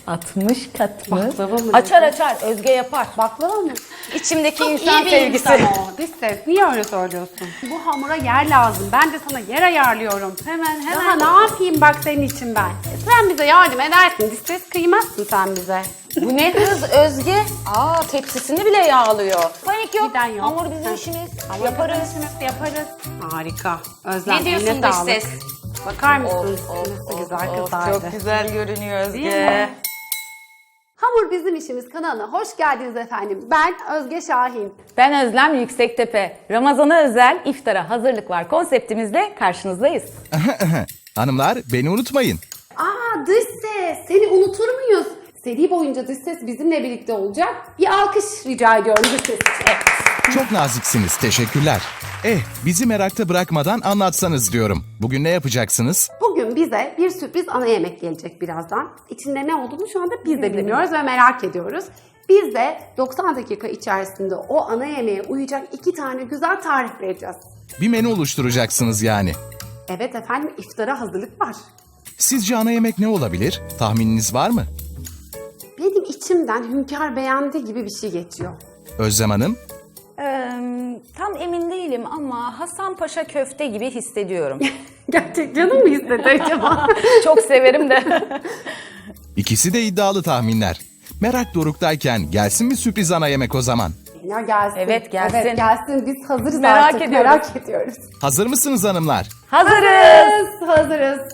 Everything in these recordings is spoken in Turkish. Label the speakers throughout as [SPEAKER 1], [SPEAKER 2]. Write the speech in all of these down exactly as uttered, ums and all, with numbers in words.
[SPEAKER 1] altmış kat mı?
[SPEAKER 2] Baklava mı?
[SPEAKER 1] Açar açar, Özge yapar.
[SPEAKER 2] Baklava mı?
[SPEAKER 1] İçimdeki
[SPEAKER 2] Çok
[SPEAKER 1] insan
[SPEAKER 2] iyi bir
[SPEAKER 1] sevgisi.
[SPEAKER 2] insan o. Dış ses. Niye öyle söylüyorsun? Bu hamura yer lazım. Ben de sana yer ayarlıyorum.
[SPEAKER 1] Hemen
[SPEAKER 2] Daha
[SPEAKER 1] hemen.
[SPEAKER 2] ne yapayım bak senin için ben. E, sen bize yardım edersin. Dış ses kıymazsın sen bize.
[SPEAKER 1] Bu ne hız Özge? Aa, tepsisini bile yağlıyor. Panik yok.
[SPEAKER 2] Giden yok.
[SPEAKER 1] Hamur bizim
[SPEAKER 2] Heh.
[SPEAKER 1] işimiz.
[SPEAKER 2] Hamur
[SPEAKER 1] Yaparız.
[SPEAKER 2] bizim işimiz, yaparız. Harika. Özlem,
[SPEAKER 1] Ne diyorsun
[SPEAKER 2] eline
[SPEAKER 1] dış
[SPEAKER 2] sağlık.
[SPEAKER 1] ses?
[SPEAKER 2] Bakar mısın?
[SPEAKER 1] Of, of,
[SPEAKER 2] Nasıl
[SPEAKER 1] of,
[SPEAKER 2] güzel
[SPEAKER 1] of,
[SPEAKER 2] kızardı.
[SPEAKER 1] Çok güzel görünüyor Özge.
[SPEAKER 2] Değil mi? Hamur Bizim İşimiz kanalına hoş geldiniz efendim. Ben Özge Şahin.
[SPEAKER 1] Ben Özlem Yüksektepe. Ramazan'a özel iftara hazırlık var konseptimizle karşınızdayız.
[SPEAKER 3] Hanımlar beni unutmayın.
[SPEAKER 2] Aa dış ses, seni unutur muyuz? Seri boyunca dış ses bizimle birlikte olacak. Bir alkış rica ediyorum dış ses için.
[SPEAKER 3] Çok naziksiniz, teşekkürler. Eh, bizi merakta bırakmadan anlatsanız diyorum. Bugün ne yapacaksınız?
[SPEAKER 2] Bugün bize bir sürpriz ana yemek gelecek birazdan. İçinde ne olduğunu şu anda biz de bilmiyoruz ve merak ediyoruz. Biz de doksan dakika içerisinde o ana yemeğe uyacak iki tane güzel tarif vereceğiz.
[SPEAKER 3] Bir menü oluşturacaksınız yani.
[SPEAKER 2] Evet efendim, iftara hazırlık var.
[SPEAKER 3] Sizce ana yemek ne olabilir? Tahmininiz var mı?
[SPEAKER 2] Benim içimden Hünkar beğendi gibi bir şey geçiyor.
[SPEAKER 3] Özlem Hanım?
[SPEAKER 1] Ee, tam emin değilim ama Hasan Paşa köfte gibi hissediyorum.
[SPEAKER 2] Gerçek canım mı istedi acaba?
[SPEAKER 1] Çok severim de.
[SPEAKER 3] İkisi de iddialı tahminler. Merak doruktayken gelsin mi sürpriz ana yemek o zaman?
[SPEAKER 2] Ya gelsin.
[SPEAKER 1] Evet, gelsin.
[SPEAKER 2] Evet gelsin. Biz hazırız
[SPEAKER 1] Merak
[SPEAKER 2] artık.
[SPEAKER 1] ediyoruz.
[SPEAKER 2] Merak ediyoruz.
[SPEAKER 3] Hazır mısınız hanımlar?
[SPEAKER 1] Hazırız.
[SPEAKER 2] Hazırız. Hazırız.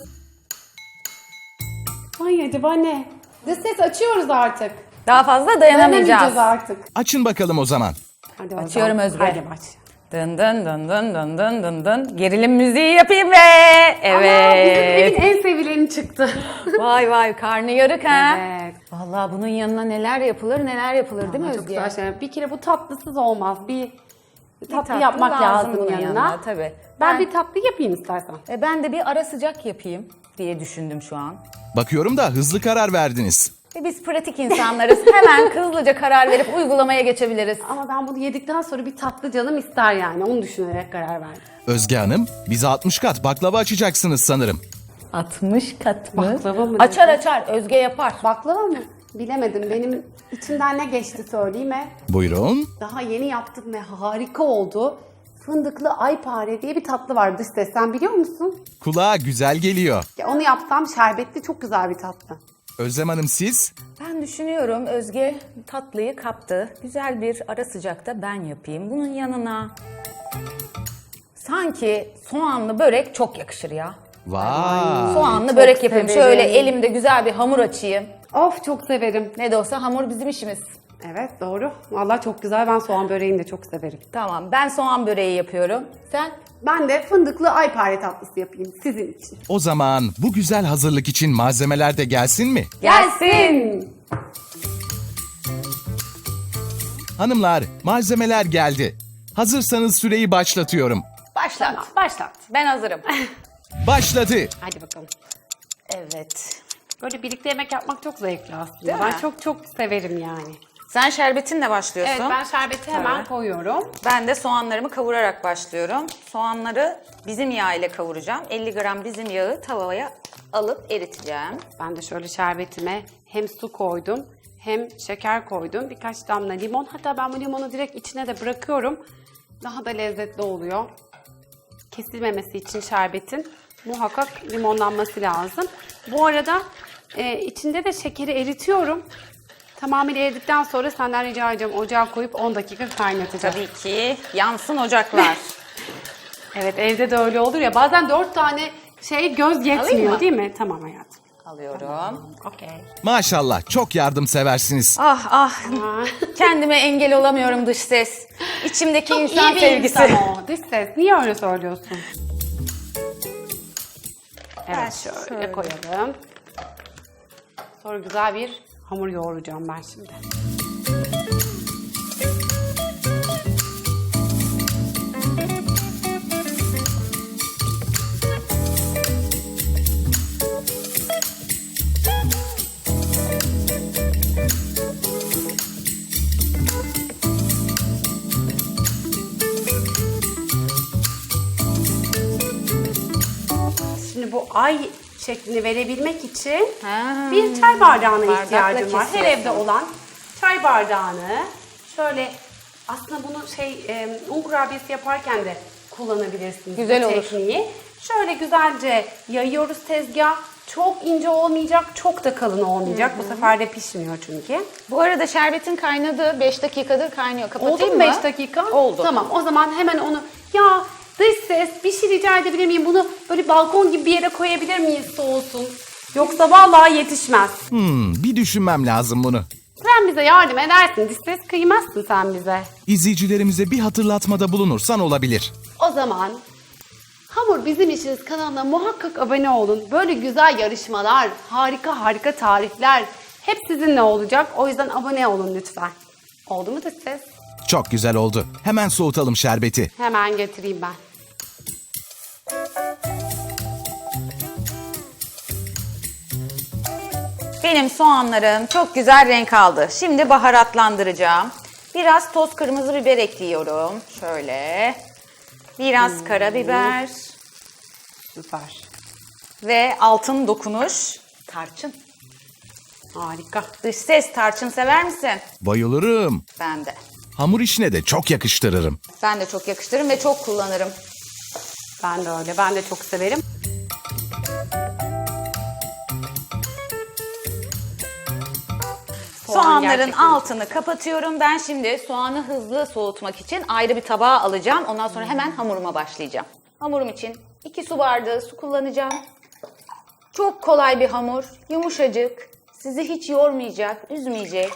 [SPEAKER 2] Ay acaba ne? Dış ses açıyoruz artık.
[SPEAKER 1] Daha fazla
[SPEAKER 2] Dayanamayacağız
[SPEAKER 1] dayanamayacağız.
[SPEAKER 2] artık.
[SPEAKER 3] Açın bakalım o zaman.
[SPEAKER 2] Hadi
[SPEAKER 1] Açıyorum
[SPEAKER 2] bakalım.
[SPEAKER 1] Özge.
[SPEAKER 2] Hadi baş.
[SPEAKER 1] Dın dın dın dın dın dın dın dın. Gerilim müziği yapayım ve
[SPEAKER 2] Ama bizim
[SPEAKER 1] evet.
[SPEAKER 2] evin en sevileni çıktı.
[SPEAKER 1] Vay vay, karnı yarık ha.
[SPEAKER 2] Evet.
[SPEAKER 1] Vallahi bunun yanına neler yapılır neler yapılır değil mi
[SPEAKER 2] Çok
[SPEAKER 1] Özge?
[SPEAKER 2] güzel şeyler. Bir kere bu tatlısız olmaz. Bir, bir tatlı,
[SPEAKER 1] tatlı
[SPEAKER 2] yapmak lazım,
[SPEAKER 1] bunun
[SPEAKER 2] yanına.
[SPEAKER 1] yanına, tabii.
[SPEAKER 2] Ben,
[SPEAKER 1] Ben-
[SPEAKER 2] bir tatlı yapayım istersen.
[SPEAKER 1] E ben de bir ara sıcak yapayım diye düşündüm şu an.
[SPEAKER 3] Bakıyorum da hızlı karar verdiniz.
[SPEAKER 1] E biz pratik insanlarız. Hemen hızlıca karar verip uygulamaya geçebiliriz.
[SPEAKER 2] Ama ben bunu yedikten sonra bir tatlı canım ister yani. Onu düşünerek karar verdim.
[SPEAKER 3] Özge Hanım, bize altmış kat baklava açacaksınız sanırım.
[SPEAKER 1] altmış kat mı?
[SPEAKER 2] Baklava mı?
[SPEAKER 1] Açar açar, Özge yapar.
[SPEAKER 2] Baklava mı? Bilemedim. Benim içimden ne geçti söyleyeyim mi?
[SPEAKER 3] Buyurun.
[SPEAKER 2] Daha yeni yaptım ve harika oldu. Fındıklı aypare diye bir tatlı var dış ses. Sen biliyor musun?
[SPEAKER 3] Kulağa güzel geliyor.
[SPEAKER 2] Ya onu yapsam şerbetli çok güzel bir tatlı.
[SPEAKER 3] Özlem Hanım siz?
[SPEAKER 1] Ben düşünüyorum, Özge tatlıyı kaptı. Güzel bir ara sıcakta ben yapayım. Bunun yanına sanki soğanlı börek çok yakışır ya.
[SPEAKER 3] Vay.
[SPEAKER 1] Soğanlı
[SPEAKER 2] çok
[SPEAKER 1] börek yapayım.
[SPEAKER 2] severim.
[SPEAKER 1] Şöyle elimde güzel bir hamur açayım.
[SPEAKER 2] Of çok severim.
[SPEAKER 1] Ne de olsa hamur bizim işimiz.
[SPEAKER 2] Evet doğru. Vallahi çok güzel. Ben soğan böreğini de çok severim.
[SPEAKER 1] Tamam, ben soğan böreği yapıyorum. Sen?
[SPEAKER 2] Ben de fındıklı aypare tatlısı yapayım sizin için.
[SPEAKER 3] O zaman bu güzel hazırlık için malzemeler de gelsin mi?
[SPEAKER 2] Gelsin.
[SPEAKER 3] Hanımlar, malzemeler geldi. Hazırsanız süreyi başlatıyorum.
[SPEAKER 1] Başlat.
[SPEAKER 2] Başlat.
[SPEAKER 1] Ben hazırım.
[SPEAKER 3] Başladı.
[SPEAKER 2] Hadi bakalım.
[SPEAKER 1] Evet.
[SPEAKER 2] Böyle birlikte yemek yapmak çok zevkli aslında.
[SPEAKER 1] Değil
[SPEAKER 2] ben
[SPEAKER 1] mi?
[SPEAKER 2] çok çok severim yani.
[SPEAKER 1] Sen şerbetinle başlıyorsun.
[SPEAKER 2] Evet ben şerbeti hemen
[SPEAKER 1] Evet.
[SPEAKER 2] koyuyorum.
[SPEAKER 1] Ben de soğanlarımı kavurarak başlıyorum. Soğanları bizim yağ ile kavuracağım. elli gram bizim yağı tavaya alıp eriteceğim.
[SPEAKER 2] Ben de şöyle şerbetime hem su koydum hem şeker koydum. Birkaç damla limon. Hatta ben bu limonu direkt içine de bırakıyorum. Daha da lezzetli oluyor. Kesilmemesi için şerbetin muhakkak limonlanması lazım. Bu arada e, içinde de şekeri eritiyorum. Tamamıyla eridikten sonra senden rica edeceğim ocağa koyup on dakika kaynatacağım.
[SPEAKER 1] Tabii ki yansın ocaklar.
[SPEAKER 2] Evet evde de öyle olur ya. Bazen dört tane şey göz
[SPEAKER 1] Alayım
[SPEAKER 2] yetmiyor
[SPEAKER 1] mı?
[SPEAKER 2] değil mi? Tamam hayatım.
[SPEAKER 1] Alıyorum.
[SPEAKER 2] Okey.
[SPEAKER 3] Maşallah, çok yardımseversiniz.
[SPEAKER 1] Ah ah. Kendime engel olamıyorum dış ses. İçimdeki insan
[SPEAKER 2] İyi bir
[SPEAKER 1] sevgisi.
[SPEAKER 2] insan o. Dış ses. Niye öyle söylüyorsun? Evet şöyle,
[SPEAKER 1] şöyle.
[SPEAKER 2] koyalım. Sonra güzel bir hamur yoğuracağım ben şimdi. Şimdi bu ay şeklini verebilmek için
[SPEAKER 1] Ha,
[SPEAKER 2] bir çay bardağına
[SPEAKER 1] bardakla
[SPEAKER 2] ihtiyacım var. Her
[SPEAKER 1] kesiyorsun.
[SPEAKER 2] evde olan çay bardağını şöyle, aslında bunu şey e, un kurabiyesi yaparken de kullanabilirsiniz.
[SPEAKER 1] Güzel
[SPEAKER 2] bu
[SPEAKER 1] olur.
[SPEAKER 2] tekniği. Şöyle güzelce yayıyoruz tezgah. Çok ince olmayacak, çok da kalın olmayacak. Bu sefer de pişmiyor çünkü.
[SPEAKER 1] Bu arada şerbetin kaynadı. beş dakikadır kaynıyor. Kapatayım
[SPEAKER 2] Oldu mu
[SPEAKER 1] mı?
[SPEAKER 2] beş dakika?
[SPEAKER 1] Oldu.
[SPEAKER 2] Tamam, o zaman hemen onu... Ya dış ses, bir şey rica edebilir miyim? Bunu böyle balkon gibi bir yere koyabilir miyiz, soğusun? Yoksa vallahi yetişmez.
[SPEAKER 3] Hmm, bir düşünmem lazım bunu.
[SPEAKER 2] Sen bize yardım edersin, dış ses kıymazsın sen bize.
[SPEAKER 3] İzleyicilerimize bir hatırlatmada bulunursan olabilir.
[SPEAKER 2] O zaman Hamur Bizim İşimiz kanalına muhakkak abone olun. Böyle güzel yarışmalar, harika harika tarifler hep sizinle olacak. O yüzden abone olun lütfen. Oldu mu dış ses?
[SPEAKER 3] Çok güzel oldu. Hemen soğutalım şerbeti.
[SPEAKER 2] Hemen getireyim ben.
[SPEAKER 1] Benim soğanlarım çok güzel renk aldı. Şimdi baharatlandıracağım. Biraz toz kırmızı biber ekliyorum. Şöyle. Biraz karabiber.
[SPEAKER 2] Süper.
[SPEAKER 1] Ve altın dokunuş tarçın.
[SPEAKER 2] Harika.
[SPEAKER 1] Dış ses, tarçın sever misin?
[SPEAKER 3] Bayılırım.
[SPEAKER 1] Ben de.
[SPEAKER 3] Hamur işine de çok yakıştırırım.
[SPEAKER 1] Ben de çok yakıştırırım ve çok kullanırım.
[SPEAKER 2] Ben de öyle. Ben de çok severim. Soğan
[SPEAKER 1] Soğanların
[SPEAKER 2] gerçekten-
[SPEAKER 1] altını kapatıyorum. Ben şimdi soğanı hızlı soğutmak için ayrı bir tabağa alacağım. Ondan sonra hemen hamuruma başlayacağım. Hamurum için iki su bardağı su kullanacağım. Çok kolay bir hamur, yumuşacık, sizi hiç yormayacak, üzmeyecek.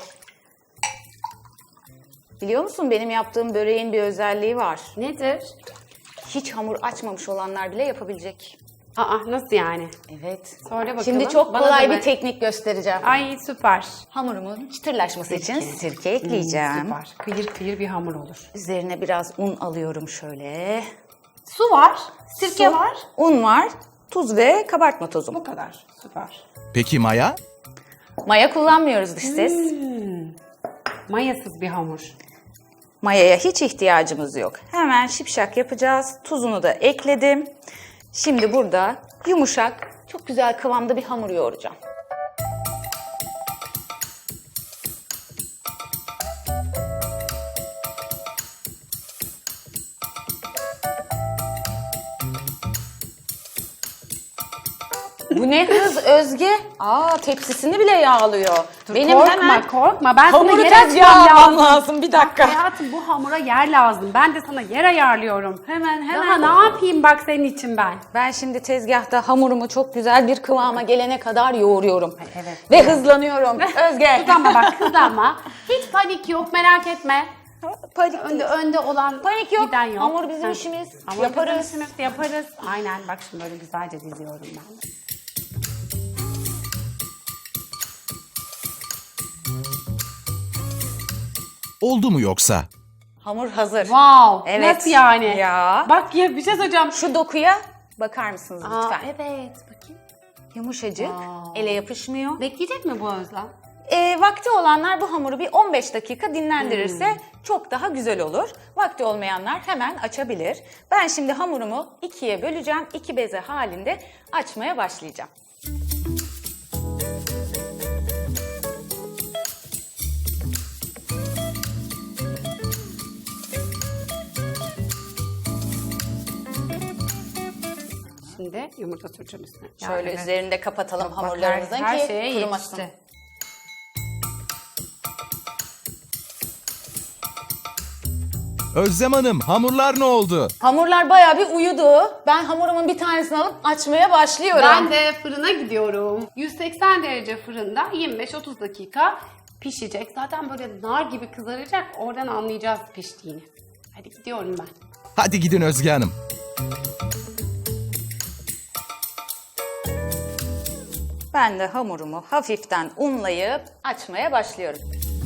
[SPEAKER 1] Biliyor musun benim yaptığım böreğin bir özelliği var.
[SPEAKER 2] Nedir?
[SPEAKER 1] Hiç hamur açmamış olanlar bile yapabilecek.
[SPEAKER 2] Aa, nasıl yani?
[SPEAKER 1] Evet.
[SPEAKER 2] Söyle bakalım.
[SPEAKER 1] Şimdi çok
[SPEAKER 2] Bana
[SPEAKER 1] kolay
[SPEAKER 2] da
[SPEAKER 1] bir
[SPEAKER 2] ver.
[SPEAKER 1] teknik göstereceğim.
[SPEAKER 2] Ay süper.
[SPEAKER 1] Hamurumun çıtırlaşması için sirke ekleyeceğim.
[SPEAKER 2] Süper. Kıyır kıyır bir hamur olur.
[SPEAKER 1] Üzerine biraz un alıyorum şöyle.
[SPEAKER 2] Su var. Sirke
[SPEAKER 1] Su,
[SPEAKER 2] var.
[SPEAKER 1] un var, tuz ve kabartma tozu.
[SPEAKER 2] Bu kadar. Süper.
[SPEAKER 3] Peki maya?
[SPEAKER 1] Maya kullanmıyoruz dış ses.
[SPEAKER 2] Mayasız bir hamur.
[SPEAKER 1] Mayaya hiç ihtiyacımız yok. Hemen şipşak yapacağız. Tuzunu da ekledim. Şimdi burada yumuşak, çok güzel kıvamda bir hamur yoğuracağım. Bu ne hız Özge? Aa, tepsisini bile yağlıyor. Benim
[SPEAKER 2] korkma
[SPEAKER 1] hemen
[SPEAKER 2] korkma. Ben sana
[SPEAKER 1] hamuru
[SPEAKER 2] yer
[SPEAKER 1] tezgaha
[SPEAKER 2] açmam
[SPEAKER 1] almam
[SPEAKER 2] lazım.
[SPEAKER 1] lazım. Bir dakika.
[SPEAKER 2] Hayatım, bu hamura yer lazım. Ben de sana yer ayarlıyorum.
[SPEAKER 1] Hemen
[SPEAKER 2] Daha
[SPEAKER 1] hemen.
[SPEAKER 2] ne yapayım bak senin için ben.
[SPEAKER 1] Ben şimdi tezgahta hamurumu çok güzel bir kıvama gelene kadar yoğuruyorum.
[SPEAKER 2] evet.
[SPEAKER 1] Ve hızlanıyorum. Özge.
[SPEAKER 2] Kızlanma bak, kızlanma. Hiç panik yok, merak etme.
[SPEAKER 1] Panik
[SPEAKER 2] Önde önde olan
[SPEAKER 1] Panik yok.
[SPEAKER 2] giden yok.
[SPEAKER 1] Hamur bizim
[SPEAKER 2] Heh.
[SPEAKER 1] işimiz.
[SPEAKER 2] Hamur
[SPEAKER 1] Yaparız.
[SPEAKER 2] bizim işimiz, yaparız. Aynen, bak şimdi böyle güzelce diziyorum ben.
[SPEAKER 3] Oldu mu yoksa?
[SPEAKER 1] Hamur hazır.
[SPEAKER 2] Wow.
[SPEAKER 1] Evet.
[SPEAKER 2] Nasıl yani?
[SPEAKER 1] Ya.
[SPEAKER 2] Bak ya, bir şey söyleyeceğim.
[SPEAKER 1] Şu dokuya bakar mısınız
[SPEAKER 2] Aa,
[SPEAKER 1] lütfen?
[SPEAKER 2] evet. Bakayım.
[SPEAKER 1] Yumuşacık.
[SPEAKER 2] Wow.
[SPEAKER 1] Ele yapışmıyor.
[SPEAKER 2] Bekleyecek mi bu Özlem?
[SPEAKER 1] E, vakti olanlar bu hamuru bir on beş dakika dinlendirirse çok daha güzel olur. Vakti olmayanlar hemen açabilir. Ben şimdi hamurumu ikiye böleceğim. İki beze halinde açmaya başlayacağım.
[SPEAKER 2] Şimdi yumurta süreceğim üstüne.
[SPEAKER 1] Şöyle
[SPEAKER 2] Yani
[SPEAKER 1] üzerinde kapatalım
[SPEAKER 2] bak, her-
[SPEAKER 1] hamurlarımızın
[SPEAKER 2] her
[SPEAKER 1] ki
[SPEAKER 2] şeye
[SPEAKER 1] kurumasın.
[SPEAKER 2] yetişti.
[SPEAKER 3] Özlem Hanım, hamurlar ne oldu?
[SPEAKER 1] Hamurlar bayağı bir uyudu. Ben hamurumun bir tanesini alıp açmaya başlıyorum.
[SPEAKER 2] Ben de fırına gidiyorum. yüz seksen derece fırında yirmi beş otuz dakika pişecek. Zaten böyle nar gibi kızaracak. Oradan anlayacağız piştiğini. Hadi gidiyorum ben.
[SPEAKER 3] Hadi gidin Özge Hanım.
[SPEAKER 1] Ben de hamurumu hafiften unlayıp açmaya başlıyorum.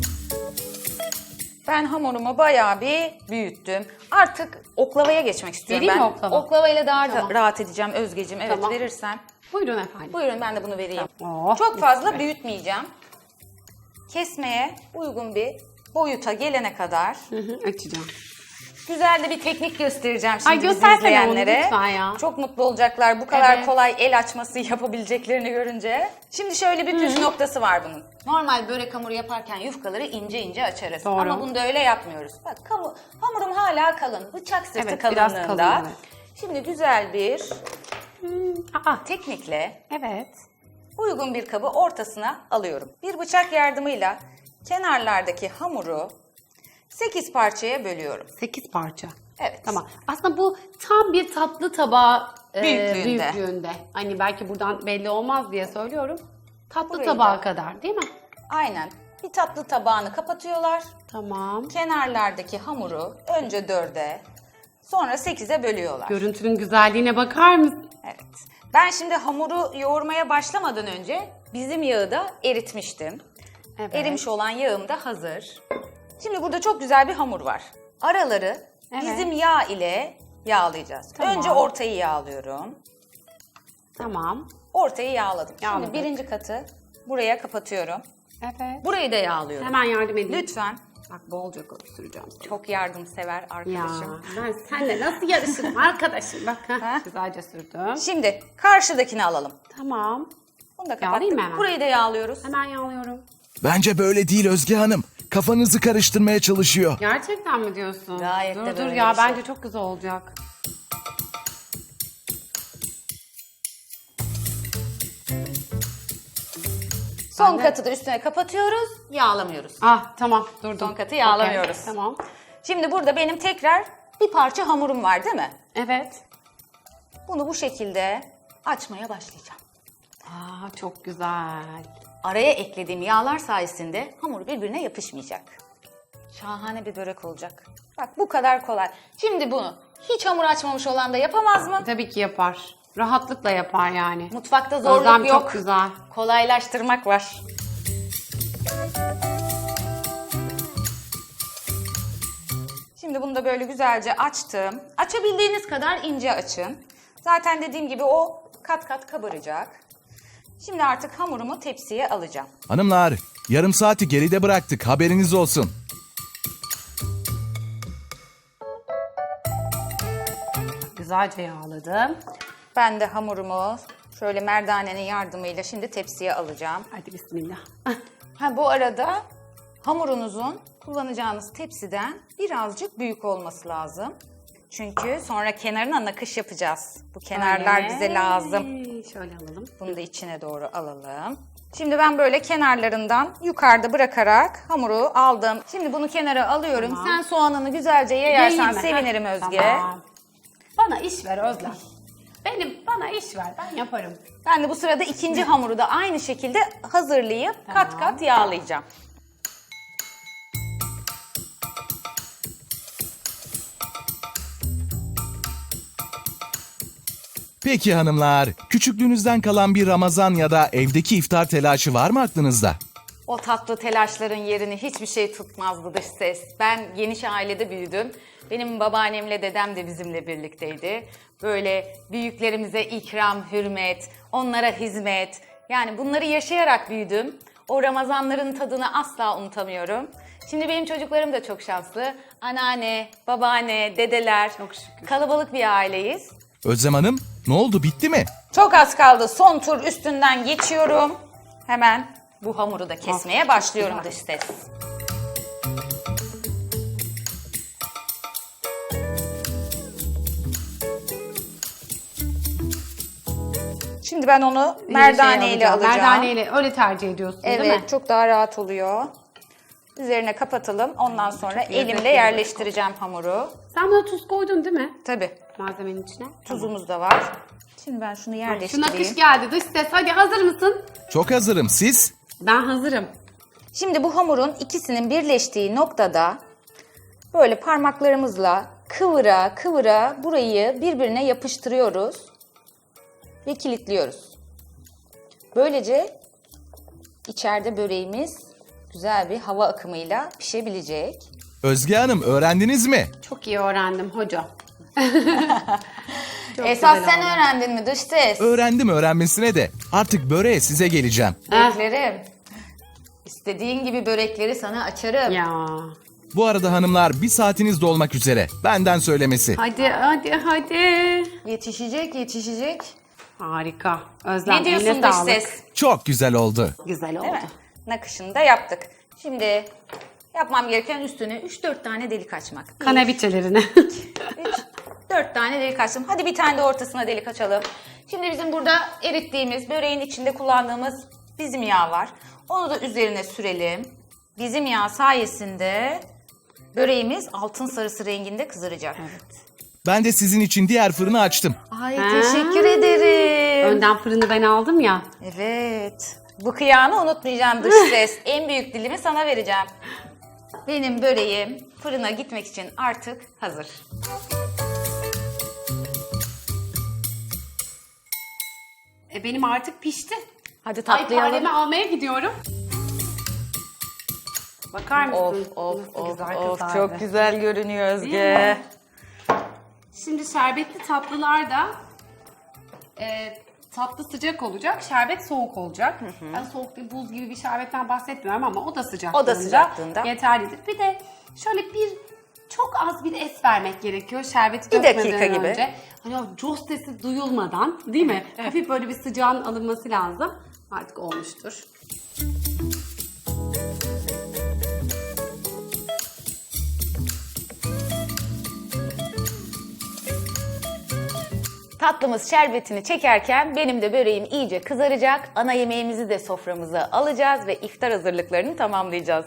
[SPEAKER 1] Ben hamurumu bayağı bir büyüttüm. Artık oklavaya geçmek istiyorum.
[SPEAKER 2] Vereyim
[SPEAKER 1] ben
[SPEAKER 2] mi oklava?
[SPEAKER 1] oklavayla daha
[SPEAKER 2] Tamam.
[SPEAKER 1] rahat edeceğim Özgeciğim. Evet,
[SPEAKER 2] Tamam.
[SPEAKER 1] verirsen.
[SPEAKER 2] Buyurun efendim.
[SPEAKER 1] Buyurun, ben de bunu vereyim.
[SPEAKER 2] Tamam. Oh,
[SPEAKER 1] Çok
[SPEAKER 2] mis
[SPEAKER 1] fazla
[SPEAKER 2] gibi.
[SPEAKER 1] büyütmeyeceğim. Kesmeye uygun bir boyuta gelene kadar
[SPEAKER 2] Hı hı, açacağım.
[SPEAKER 1] Güzel de bir teknik göstereceğim şimdi
[SPEAKER 2] Ay,
[SPEAKER 1] bizi
[SPEAKER 2] göstersene onu
[SPEAKER 1] izleyenlere.
[SPEAKER 2] lütfen ya.
[SPEAKER 1] Çok mutlu olacaklar bu kadar
[SPEAKER 2] Evet.
[SPEAKER 1] kolay el açması yapabileceklerini görünce. Şimdi şöyle bir püf noktası var bunun. Normal börek hamuru yaparken yufkaları ince ince açarız.
[SPEAKER 2] Doğru.
[SPEAKER 1] Ama bunda öyle yapmıyoruz. Bak kamu- hamurum hala kalın. Bıçak sırtı
[SPEAKER 2] Evet, biraz
[SPEAKER 1] kalınlığında.
[SPEAKER 2] kalın, evet.
[SPEAKER 1] Şimdi güzel bir
[SPEAKER 2] Aa,
[SPEAKER 1] teknikle
[SPEAKER 2] evet.
[SPEAKER 1] uygun bir kabı ortasına alıyorum. Bir bıçak yardımıyla kenarlardaki hamuru sekiz parçaya bölüyorum.
[SPEAKER 2] sekiz parça.
[SPEAKER 1] Evet.
[SPEAKER 2] Tamam. Aslında bu tam bir tatlı tabağı e,
[SPEAKER 1] Büyüklüğünde.
[SPEAKER 2] büyüklüğünde. Hani belki buradan belli olmaz diye söylüyorum. Tatlı
[SPEAKER 1] Burayı
[SPEAKER 2] tabağı
[SPEAKER 1] da-
[SPEAKER 2] kadar değil mi?
[SPEAKER 1] Aynen. Bir tatlı tabağını kapatıyorlar.
[SPEAKER 2] Tamam.
[SPEAKER 1] Kenarlardaki hamuru önce dörde, sonra sekize bölüyorlar.
[SPEAKER 2] Görüntünün güzelliğine bakar mısın?
[SPEAKER 1] Evet. Ben şimdi hamuru yoğurmaya başlamadan önce bizim yağı da eritmiştim.
[SPEAKER 2] Evet.
[SPEAKER 1] Erimiş olan yağım da hazır. Şimdi burada çok güzel bir hamur var. Araları
[SPEAKER 2] Evet.
[SPEAKER 1] bizim yağ ile yağlayacağız.
[SPEAKER 2] Tamam.
[SPEAKER 1] Önce ortayı yağlıyorum.
[SPEAKER 2] Tamam.
[SPEAKER 1] Ortayı yağladım.
[SPEAKER 2] Yağladık.
[SPEAKER 1] Şimdi birinci katı buraya kapatıyorum.
[SPEAKER 2] Evet.
[SPEAKER 1] Burayı da yağlıyorum.
[SPEAKER 2] Hemen yardım edeyim.
[SPEAKER 1] Lütfen.
[SPEAKER 2] Bak bolca süreceğim.
[SPEAKER 1] Çok yardımsever
[SPEAKER 2] Ya
[SPEAKER 1] arkadaşım.
[SPEAKER 2] ben seninle nasıl yarışırım arkadaşım? Bak ha,
[SPEAKER 1] Ha?
[SPEAKER 2] güzelce sürdüm.
[SPEAKER 1] Şimdi karşıdakini alalım.
[SPEAKER 2] Tamam.
[SPEAKER 1] Bunu da
[SPEAKER 2] Yağlayayım
[SPEAKER 1] kapattık.
[SPEAKER 2] mı hemen?
[SPEAKER 1] Burayı da yağlıyoruz.
[SPEAKER 2] Hemen yağlıyorum.
[SPEAKER 3] Bence böyle değil Özge Hanım. Kafanızı karıştırmaya çalışıyor.
[SPEAKER 2] Gerçekten mi diyorsun?
[SPEAKER 1] Gayet
[SPEAKER 2] dur
[SPEAKER 1] de
[SPEAKER 2] dur
[SPEAKER 1] böyle
[SPEAKER 2] ya
[SPEAKER 1] bir şey.
[SPEAKER 2] bence çok güzel olacak.
[SPEAKER 1] Son
[SPEAKER 2] Ben de-
[SPEAKER 1] katı da üstüne kapatıyoruz, yağlamıyoruz.
[SPEAKER 2] Ah tamam durdum.
[SPEAKER 1] Son katı yağlamıyoruz.
[SPEAKER 2] Okey, tamam.
[SPEAKER 1] Şimdi burada benim tekrar bir parça hamurum var değil mi?
[SPEAKER 2] Evet.
[SPEAKER 1] Bunu bu şekilde açmaya başlayacağım.
[SPEAKER 2] Aa çok güzel.
[SPEAKER 1] Araya eklediğim yağlar sayesinde hamur birbirine yapışmayacak. Şahane bir börek olacak. Bak bu kadar kolay. Şimdi bunu hiç hamur açmamış olan da yapamaz mı?
[SPEAKER 2] Tabii ki yapar. Rahatlıkla yapar yani.
[SPEAKER 1] Mutfakta zorluk
[SPEAKER 2] Özlem
[SPEAKER 1] yok.
[SPEAKER 2] çok güzel.
[SPEAKER 1] Kolaylaştırmak var. Şimdi bunu da böyle güzelce açtım. Açabildiğiniz kadar ince açın. Zaten dediğim gibi o kat kat kabaracak. Şimdi artık hamurumu tepsiye alacağım.
[SPEAKER 3] Hanımlar, yarım saati geride bıraktık. Haberiniz olsun.
[SPEAKER 2] Güzelce yağladım.
[SPEAKER 1] Ben de hamurumu şöyle merdanenin yardımıyla şimdi tepsiye alacağım.
[SPEAKER 2] Hadi bismillah.
[SPEAKER 1] Ha bu arada hamurunuzun kullanacağınız tepsiden birazcık büyük olması lazım. Çünkü sonra kenarına nakış yapacağız. Bu kenarlar
[SPEAKER 2] Öyle.
[SPEAKER 1] bize lazım.
[SPEAKER 2] Şöyle alalım.
[SPEAKER 1] Bunu da içine doğru alalım. Şimdi ben böyle kenarlarından yukarıda bırakarak hamuru aldım. Şimdi bunu kenara alıyorum.
[SPEAKER 2] Tamam.
[SPEAKER 1] Sen soğanını güzelce yayarsan
[SPEAKER 2] Yiyeyim mi?
[SPEAKER 1] sevinirim
[SPEAKER 2] Heh,
[SPEAKER 1] Özge.
[SPEAKER 2] Tamam. Bana iş ver Özlem. Benim bana iş ver ben yaparım.
[SPEAKER 1] Ben de bu sırada ikinci hamuru da aynı şekilde hazırlayıp kat
[SPEAKER 2] Tamam.
[SPEAKER 1] kat yağlayacağım.
[SPEAKER 3] Peki hanımlar, küçüklüğünüzden kalan bir Ramazan ya da evdeki iftar telaşı var mı aklınızda?
[SPEAKER 1] O tatlı telaşların yerini hiçbir şey tutmazdı dış ses. Ben geniş ailede büyüdüm. Benim babaannemle dedem de bizimle birlikteydi. Böyle büyüklerimize ikram, hürmet, onlara hizmet. Yani bunları yaşayarak büyüdüm. O Ramazanların tadını asla unutamıyorum. Şimdi benim çocuklarım da çok şanslı. Anneanne, babaanne, dedeler.
[SPEAKER 2] Çok şükür.
[SPEAKER 1] Kalabalık bir aileyiz.
[SPEAKER 3] Özlem Hanım, ne oldu, bitti mi?
[SPEAKER 1] Çok az kaldı. Son tur üstünden geçiyorum. Hemen bu hamuru da kesmeye
[SPEAKER 2] çok
[SPEAKER 1] başlıyorum
[SPEAKER 2] güzel.
[SPEAKER 1] dış ses. Şimdi ben onu merdane
[SPEAKER 2] Şey
[SPEAKER 1] ile alacağım.
[SPEAKER 2] Merdaneyle öyle tercih ediyorsun değil mi?
[SPEAKER 1] Evet, çok daha rahat oluyor. Üzerine kapatalım. Ondan sonra
[SPEAKER 2] lezzetli
[SPEAKER 1] elimle
[SPEAKER 2] olacak.
[SPEAKER 1] yerleştireceğim hamuru.
[SPEAKER 2] Sen buna tuz koydun değil mi?
[SPEAKER 1] Tabii.
[SPEAKER 2] Malzemenin içine.
[SPEAKER 1] Tuzumuz da var. Şimdi ben şunu
[SPEAKER 2] Şu
[SPEAKER 1] yerleştireyim.
[SPEAKER 2] nakış geldi dış ses. Hadi hazır mısın?
[SPEAKER 3] Çok hazırım, siz?
[SPEAKER 2] Ben hazırım.
[SPEAKER 1] Şimdi bu hamurun ikisinin birleştiği noktada böyle parmaklarımızla kıvıra kıvıra burayı birbirine yapıştırıyoruz ve kilitliyoruz. Böylece içeride böreğimiz güzel bir hava akımıyla pişebilecek.
[SPEAKER 3] Özge Hanım, öğrendiniz mi?
[SPEAKER 2] Çok iyi öğrendim hoca. Çok
[SPEAKER 1] Esas
[SPEAKER 2] güzel
[SPEAKER 1] sen
[SPEAKER 2] oldu.
[SPEAKER 1] öğrendin mi dış ses?
[SPEAKER 3] Öğrendim öğrenmesine de. Artık böreğe size geleceğim.
[SPEAKER 2] Heh.
[SPEAKER 1] Beklerim. İstediğin gibi börekleri sana açarım.
[SPEAKER 2] Ya
[SPEAKER 3] Bu arada hanımlar bir saatiniz dolmak üzere. Benden söylemesi.
[SPEAKER 2] Hadi hadi hadi.
[SPEAKER 1] Yetişecek, yetişecek.
[SPEAKER 2] Harika. Özlem,
[SPEAKER 1] Ne diyorsun
[SPEAKER 2] eline
[SPEAKER 1] dış
[SPEAKER 2] sağlık.
[SPEAKER 1] ses?
[SPEAKER 3] Çok güzel oldu.
[SPEAKER 2] Güzel oldu.
[SPEAKER 1] Değil mi? Nakışını da yaptık. Şimdi yapmam gereken üstüne üç dört tane delik açmak.
[SPEAKER 2] Kanaviçelerini.
[SPEAKER 1] üç dört tane delik açtım. Hadi bir tane de ortasına delik açalım. Şimdi bizim burada erittiğimiz, böreğin içinde kullandığımız bizim yağ var. Onu da üzerine sürelim. Bizim yağ sayesinde böreğimiz altın sarısı renginde kızaracak.
[SPEAKER 3] Ben de sizin için diğer fırını açtım.
[SPEAKER 1] Ay
[SPEAKER 2] Ha.
[SPEAKER 1] teşekkür ederim.
[SPEAKER 2] Önden fırını ben aldım ya.
[SPEAKER 1] Evet. Bu kıyağını unutmayacağım dış ses. En büyük dilimi sana vereceğim. Benim böreğim fırına gitmek için artık hazır.
[SPEAKER 2] E, benim artık pişti.
[SPEAKER 1] Hadi
[SPEAKER 2] Ay,
[SPEAKER 1] tatlayalım.
[SPEAKER 2] faremi almaya gidiyorum. Bakar mısın?
[SPEAKER 1] Of of
[SPEAKER 2] Nasıl
[SPEAKER 1] of
[SPEAKER 2] güzel
[SPEAKER 1] of
[SPEAKER 2] kızardı.
[SPEAKER 1] çok güzel görünüyor
[SPEAKER 2] Değil
[SPEAKER 1] Özge.
[SPEAKER 2] mi? Şimdi şerbetli tatlılar da e, tatlı sıcak olacak, şerbet soğuk olacak. Ben soğuk bir buz gibi bir şerbetten bahsetmiyorum ama o da sıcaklığında,
[SPEAKER 1] O da sıcaklığında.
[SPEAKER 2] yeterlidir. Bir de şöyle bir çok az bir es vermek gerekiyor şerbeti
[SPEAKER 1] Bir
[SPEAKER 2] dökmeden
[SPEAKER 1] dakika gibi.
[SPEAKER 2] önce. Hani o coz sesi duyulmadan, değil mi? Hafif böyle bir sıcağın alınması lazım. Artık olmuştur.
[SPEAKER 1] Tatlımız şerbetini çekerken benim de böreğim iyice kızaracak. Ana yemeğimizi de soframıza alacağız ve iftar hazırlıklarını tamamlayacağız.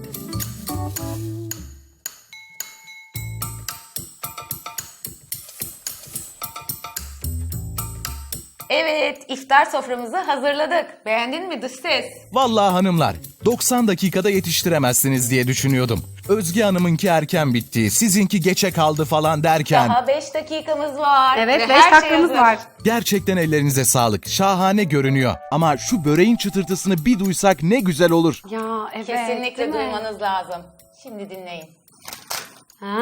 [SPEAKER 1] Evet, iftar soframızı hazırladık. Beğendin mi dış ses?
[SPEAKER 3] Vallahi hanımlar, doksan dakikada yetiştiremezsiniz diye düşünüyordum. Özge Hanım'ınki erken bitti, sizinki geçe kaldı falan derken...
[SPEAKER 1] Daha beş dakikamız var.
[SPEAKER 2] Evet,
[SPEAKER 1] ve
[SPEAKER 2] beş
[SPEAKER 1] her şey
[SPEAKER 2] dakikamız
[SPEAKER 1] hazır.
[SPEAKER 2] var.
[SPEAKER 3] Gerçekten ellerinize sağlık. Şahane görünüyor. Ama şu böreğin çıtırtısını bir duysak ne güzel olur.
[SPEAKER 2] Ya evet.
[SPEAKER 1] Kesinlikle
[SPEAKER 2] değil mi?
[SPEAKER 1] duymanız lazım. Şimdi dinleyin.
[SPEAKER 2] Ha.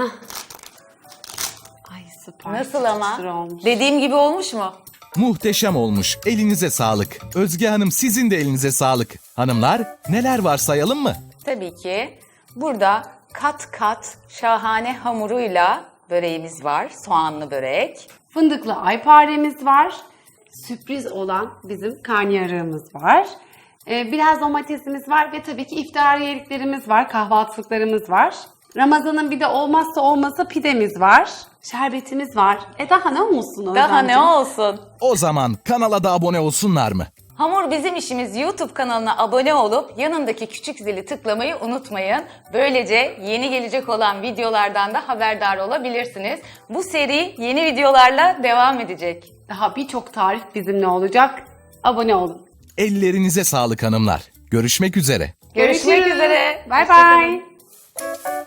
[SPEAKER 2] Ay süper.
[SPEAKER 1] Nasıl
[SPEAKER 2] Çıtır
[SPEAKER 1] ama?
[SPEAKER 2] çıtır olmuş.
[SPEAKER 1] Dediğim gibi olmuş mu?
[SPEAKER 3] Muhteşem olmuş. Elinize sağlık. Özge Hanım sizin de elinize sağlık. Hanımlar neler var sayalım mı?
[SPEAKER 1] Tabii ki. Burada kat kat şahane hamuruyla böreğimiz var. Soğanlı börek.
[SPEAKER 2] Fındıklı ayparemiz var. Sürpriz olan bizim karnıyarığımız var. Ee, biraz domatesimiz var ve tabii ki iftariyeliklerimiz var. Kahvaltılıklarımız var. Ramazan'ın bir de olmazsa olmazı pidemiz var. Şerbetimiz var. E daha ne olsun
[SPEAKER 1] Daha ne
[SPEAKER 2] Özlemciğim?
[SPEAKER 1] olsun?
[SPEAKER 3] O zaman kanala da abone olsunlar mı?
[SPEAKER 1] Hamur Bizim İşimiz YouTube kanalına abone olup yanındaki küçük zili tıklamayı unutmayın. Böylece yeni gelecek olan videolardan da haberdar olabilirsiniz. Bu seri yeni videolarla devam edecek.
[SPEAKER 2] Daha birçok tarif bizimle olacak. Abone olun.
[SPEAKER 3] Ellerinize sağlık hanımlar. Görüşmek üzere.
[SPEAKER 1] Görüşmek
[SPEAKER 2] Görüşürüz.
[SPEAKER 1] üzere.
[SPEAKER 2] Bay
[SPEAKER 1] Hoşçakalın.
[SPEAKER 2] bay.